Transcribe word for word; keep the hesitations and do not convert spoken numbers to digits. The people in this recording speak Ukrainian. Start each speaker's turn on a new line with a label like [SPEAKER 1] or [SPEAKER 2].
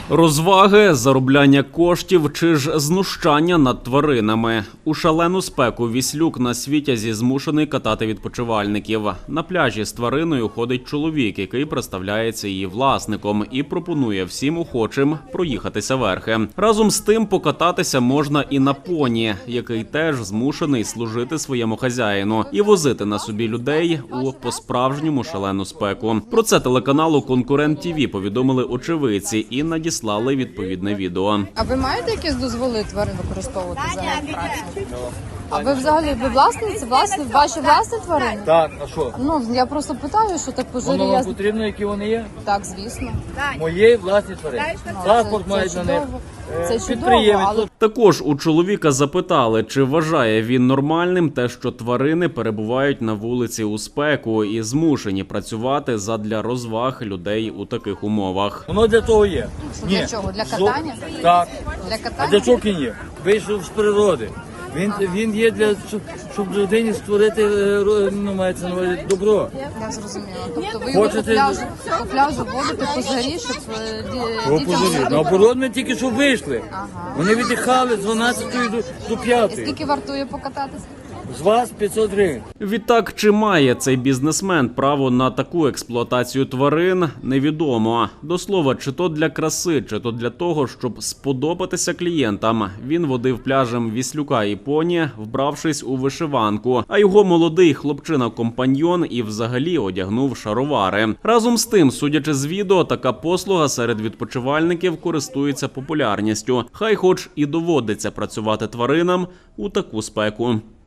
[SPEAKER 1] Розваги, заробляння коштів чи ж знущання над тваринами. У шалену спеку Віслюк на Світязі змушений катати відпочивальників. На пляжі з твариною ходить чоловік, який представляється її власником і пропонує всім охочим проїхатися верхи. Разом з тим покататися можна і на поні, який теж змушений служити своєму хазяїну і возити на собі людей у по-справжньому шалену спеку. Про це телеканалу «Конкурент ТІВІ» повідомили очевидці і надіслали Слали відповідне відео.
[SPEAKER 2] А ви маєте якісь дозволи тварин використовувати за праці? А ви взагалі ви власниці? Власні ваші власні тварини?
[SPEAKER 3] Так, а що?
[SPEAKER 2] Ну я просто питаю, що так пожирі.
[SPEAKER 3] Воно
[SPEAKER 2] Я...
[SPEAKER 3] вам потрібно, які вони є?
[SPEAKER 2] Так, звісно.
[SPEAKER 3] Мої власні тварини. Паспорт
[SPEAKER 2] це,
[SPEAKER 3] мають
[SPEAKER 2] це
[SPEAKER 3] на них.
[SPEAKER 2] чудово. Це чудово,
[SPEAKER 3] Підприємець.
[SPEAKER 2] але...
[SPEAKER 1] Також у чоловіка запитали, чи вважає він нормальним те, що тварини перебувають на вулиці у спеку і змушені працювати задля розваг людей у таких умовах.
[SPEAKER 3] Воно для того є.
[SPEAKER 2] Що, для чого? Для катання?
[SPEAKER 3] Зо... Так.
[SPEAKER 2] Для катання?
[SPEAKER 3] А для чого він є? Вийшов з природи. Він, він є для, щоб, щоб людині створити, ну, мається на увазі, добро.
[SPEAKER 2] Я зрозуміла. Тобто ви його по
[SPEAKER 3] Хочете-
[SPEAKER 2] пляжу, по пляжу водите по жарі, щоб е, ді-
[SPEAKER 3] О,
[SPEAKER 2] дітям...
[SPEAKER 3] позорі. Наоборот, ми тільки що вийшли.
[SPEAKER 2] Ага.
[SPEAKER 3] Вони віддихали з дванадцятої до, до
[SPEAKER 2] І
[SPEAKER 3] п'ятої.
[SPEAKER 2] скільки вартує покататися?
[SPEAKER 3] З вас п'ятсот гривень.
[SPEAKER 1] Відтак, чи має цей бізнесмен право на таку експлуатацію тварин, невідомо. До слова, чи то для краси, чи то для того, щоб сподобатися клієнтам. Він водив пляжем Віслюка і поні, вбравшись у вишиванку, а його молодий хлопчина-компаньйон і взагалі одягнув шаровари. Разом з тим, судячи з відео, така послуга серед відпочивальників користується популярністю. Хай хоч і доводиться працювати тваринам у таку спеку.